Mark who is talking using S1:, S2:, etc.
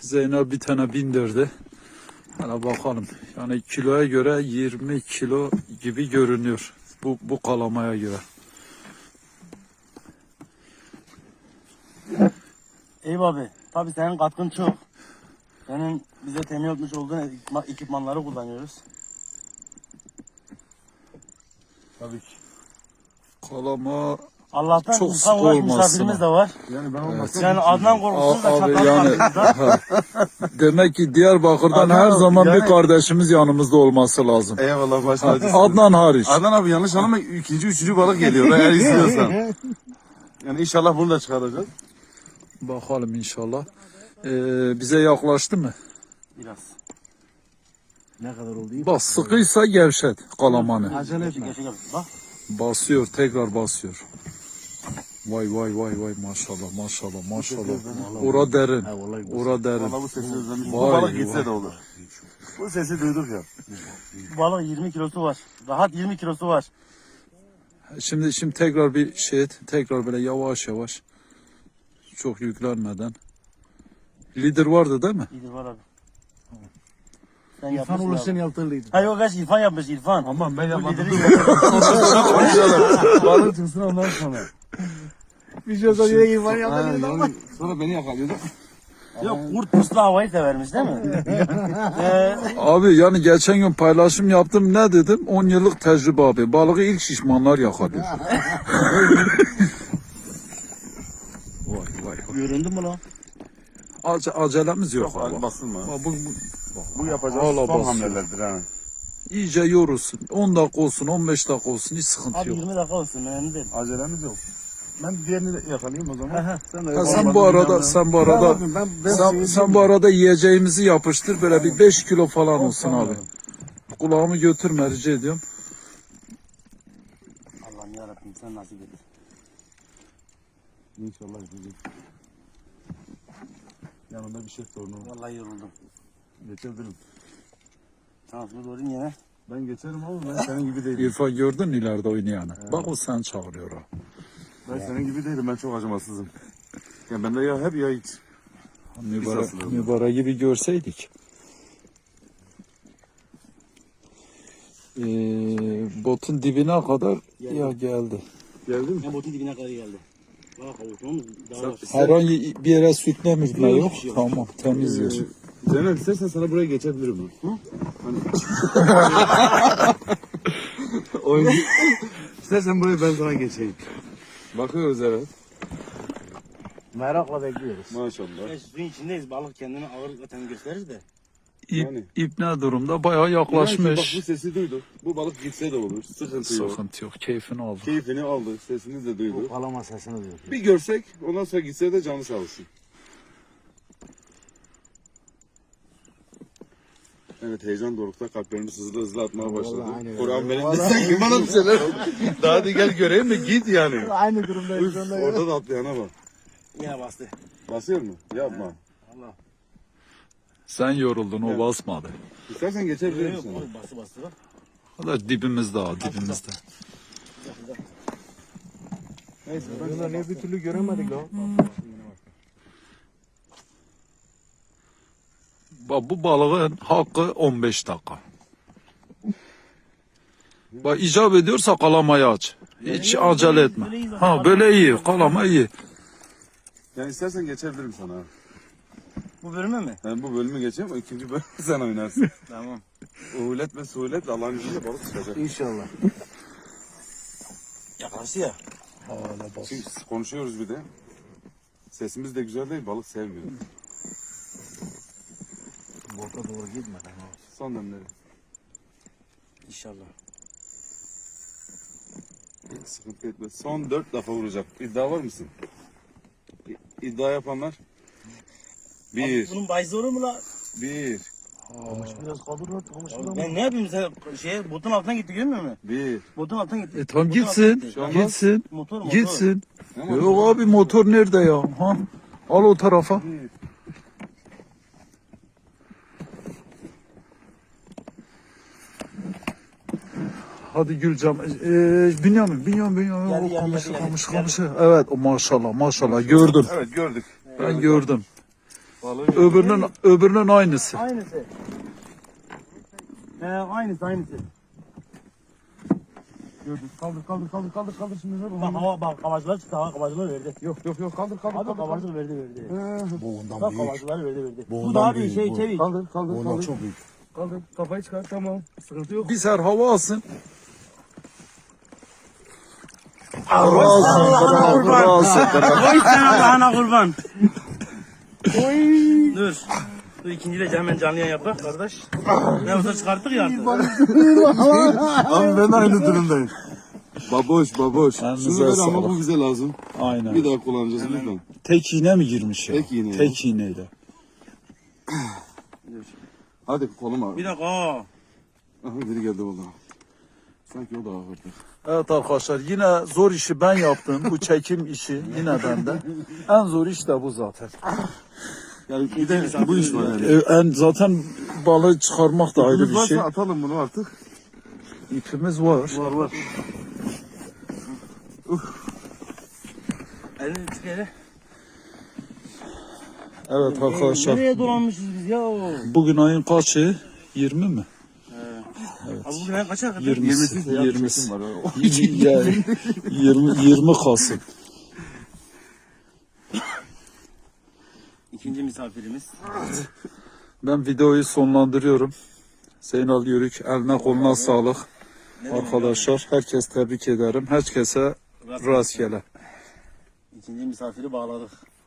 S1: Zeynep bir tane bindirdi. Hala bakalım. Yani kiloya göre 20 kilo gibi görünüyor. Bu kalamaya göre.
S2: Eyüp abi, tabii senin katkın çok. Senin bize temin etmiş olduğun ekipmanları kullanıyoruz.
S1: Tabii ki. Kalama
S2: Allah'tan
S1: çok
S2: insan
S1: sık
S2: ulaş
S1: olmasın
S2: misafirimiz de var.
S3: Yani ben olmasam
S2: Yani Adnan korkusuz da
S1: abi
S2: çatal
S1: yani ha. Demek ki Diyarbakır'dan
S3: Adnan
S1: her
S3: abi,
S1: zaman bir
S3: yani-
S1: kardeşimiz yanımızda olması lazım.
S3: Eyvallah baş
S1: Ha,
S3: tacısın.
S1: Adnan hariç.
S3: Adnan abi yanlış anlama, ikinci, üçüncü balık geliyor eğer istiyorsan. Yani inşallah bunu da çıkaracağız.
S1: Bakalım inşallah. Bize yaklaştı mı?
S2: Biraz.
S4: Ne kadar oldu?
S1: Bak sıkıysa gevşet kalamanı.
S4: Acele etme.
S2: Geçe bak.
S1: Basıyor, tekrar basıyor. Vay vay vay vay maşallah maşallah maşallah. Ora derin.
S4: Ha, vallahi güzel.
S1: Ora derin.
S3: Vallahi bu sesi özlemiş. Bu
S1: Vay,
S3: balık
S1: vay.
S3: gitse de olur. Bu sesi duyduk ya.
S2: Bu balığın 20 kilosu var. Rahat 20 kilosu var.
S1: Şimdi tekrar bir şey et. Tekrar böyle yavaş yavaş. Çok yüklenmeden. Lider vardı değil mi?
S2: İyidir var abi. Sen
S4: İrfan
S2: yapmışsın
S4: olur
S2: abi.
S4: sen yaptırlıydın.
S2: Ha yok kaç İrfan yapmış İrfan.
S4: Aman ben
S2: Bu
S4: yapmadım.
S2: lideri
S4: Balık çıksın ondan sonra. Bir şey olsa yine İrfan yaptırlıydın ama.
S3: Sonra beni yakalıyordu.
S2: Yok kurt puslu havayı severmiş değil mi?
S1: Abi yani geçen gün paylaşım yaptım, ne dedim? 10 yıllık tecrübe abi. Balığı ilk şişmanlar yakalıyor. Vay vay vay.
S2: Göründü mü lan?
S1: Acelemiz yok
S3: Yok
S1: abi.
S3: abi basılma.
S1: Bak,
S3: Bu yapacağız
S1: Hala
S3: son
S1: basıyor.
S3: hamlelerdir ha.
S1: iyice yorulsun. 10 dakika olsun, 15 dakika olsun, hiç sıkıntı
S2: Abi
S1: yok.
S2: 20 dakika olsun önemli değil.
S3: Acelemiz yok. Ben diğerini de yakalayayım o zaman.
S4: Sen de
S1: Ha, sen bu arada sen bu arada yiyeceğimizi yapıştır, böyle bir 5 kilo falan olsun abi. Kulağımı götürme rica ediyorum.
S2: Allah'ım yarabbim sen nasip et.
S3: İnşallah gidecek. Yanında bir şey sorunu var.
S2: Vallahi yoruldum.
S3: Geçebilirim.
S2: Tamam şunu doğrayayım yine.
S3: Ben geçerim ama ben senin gibi değilim.
S1: İrfan gördün mü ileride oynayanı? Bak o sen çağırıyor ha.
S3: Ben senin gibi değilim. Ben çok acımasızım. Ya bende ya hep ya hiç.
S1: Mübarek gibi görseydik. Botun dibine kadar ya geldi.
S3: Geldin mi?
S2: Ya botun dibine kadar geldi. Bak avuçluğumuz daha var.
S1: Herhangi bir yere sürtlemiş mi?
S2: Yok,
S1: Yok.
S2: bir şey yok.
S1: Tamam, temiz yer.
S3: Zeynep istersen sana buraya geçebilirim. Hı? Hani... Oyun... İstersen buraya ben sana geçeyim. Bakıyoruz evet.
S4: Merakla bekliyoruz.
S3: Maşallah.
S2: Ya suyun içindeyiz. Balık kendini ağır zaten gösterir de.
S3: Yani.
S1: İp ne durumda? Bayağı
S3: Bak
S1: yaklaşmış.
S3: bu sesi duydu. Bu balık gitse de olur. Sıkıntı yok.
S1: Sıkıntı yok. Keyfini aldı.
S3: Keyfini aldı. Sesini de duydu.
S4: Kalama sesini duyuyor.
S3: Bir görsek ondan sonra gitse de canı sağ olsun. Evet heyecan dorukta kalplerimiz hızlı hızlı atmaya başladı.
S4: Vallahi aynen öyle.
S3: Kur'an benim de
S4: Vallahi
S3: sanki bana bir şeyler oldu. Daha hadi gel göreyim mi git yani.
S4: Aynı durumdayız.
S3: Üf, orada da atlayana bak.
S2: Yine bastı.
S3: Basıyor mu? Yapma.
S2: Allah.
S1: Sen yoruldun, o
S3: Evet.
S1: basmadı.
S3: İstersen geçebilir
S2: Yok
S3: misin?
S2: yok bastı bastı bak.
S1: O da dibimizde ha, dibimizde.
S3: Neyse
S4: Bunlar ne bir türlü göremedik lan.
S1: Bak bu balığın hakkı 15 dakika. Bak icap ediyorsa kalamayı aç. Hiç acele etme. Ha böyle iyi, kalama iyi.
S3: Yani istersen geçebilirim sana.
S2: Bu bölümü mü?
S3: Ben bu bölümü geçeyim, o ikinci bölümü sen oynarsın.
S2: Tamam.
S3: Uhulet ve suhulet Allah'ın izniyle balık çıkacak.
S4: İnşallah.
S2: Yaklaştı ya.
S3: Şimdi konuşuyoruz bir de. Sesimiz de güzel değil, balık sevmiyor.
S4: Bota doğru gitmeden.
S3: Son demleri.
S2: İnşallah.
S3: Hiç sıkıntı etme. Son 4 defa vuracak. İddia var mısın? İddia yapanlar?
S2: Abi
S3: 1,
S2: bunun bayızı olur mu la?
S3: 1,
S4: Kamış biraz kaldır lan. Kamış biraz.
S2: Ben ne yapayım sen botun altına gitti görmüyor musun?
S3: 1.
S2: Botun altına gitti.
S1: Tamam
S2: Botun
S1: gitsin,
S2: altına gitti.
S3: Şu an
S1: gitsin,
S2: Motor motor.
S1: gitsin. Yok abi motor nerede ya? Ha? Al o tarafa. Hadi Gülcem. Bünyamin.
S2: Geldi,
S1: O
S2: geldi,
S1: kamışı,
S2: geldi.
S1: kamışı. Evet, o maşallah, maşallah. Gördüm.
S3: Evet gördük.
S1: Ben gördüm.
S3: Balığı
S1: öbürünün aynısı.
S2: Aynısı. Aynısı. Gördün. Kaldır şimdi. Bak kavacılar çıktı. Kavacılar verdi.
S4: Yok kaldır.
S2: Abi kavacılar verdi.
S4: Boğundan
S2: Bak
S4: büyük.
S2: kavacılar verdi. Bu
S4: Boğundan
S2: daha bir
S4: büyük,
S2: şey
S4: bu.
S2: çevik.
S4: Kaldır.
S3: Boğundan çok büyük.
S4: Kaldır. Kafayı çıkar tamam. Sıkıntı yok.
S1: Bir ser hava alsın.
S2: Oy sen Allah'ına kurban. Dur. Dur ikinciyle hemen canlı yayın yapak kardeş. Ne olsa çıkarttık ya artık.
S3: Abi ben aynı durumdayım. Baboş.
S1: Elinize
S3: Şunu ver ama
S1: sağlık.
S3: bu bize lazım.
S1: Aynen.
S3: Bir daha kullanacağız lütfen.
S1: Tek iğne mi girmiş ya?
S3: Tek iğne.
S1: Tek iğneyle.
S3: Hadi kolum abi.
S2: Bir dakika.
S3: Aha biri geldi valla. Sanki o da ağırdı.
S1: Evet arkadaşlar yine zor işi ben yaptım. Bu çekim işi yine bende. En zor iş de bu zaten.
S3: Yani bir de bu iş var yani.
S1: Zaten balığı çıkarmak da ayrı
S3: İpimiz
S1: bir
S3: varsa
S1: şey.
S3: atalım bunu artık.
S1: İpimiz var.
S3: Var.
S2: Elini çık hele.
S1: Evet arkadaşlar.
S2: Nereye dolanmışız biz ya?
S1: Bugün ayın kaçı? 20 mi?
S2: Abi bugün en kaça kadar?
S1: 20'si. 20'si.
S3: Var. O
S1: 20 Kasım.
S2: İkinci misafirimiz.
S1: Ben videoyu sonlandırıyorum. Zeynal Yörük eline koluna sağlık. Arkadaşlar herkes tebrik ederim. Herkese rastgele.
S2: İkinci misafiri bağladık.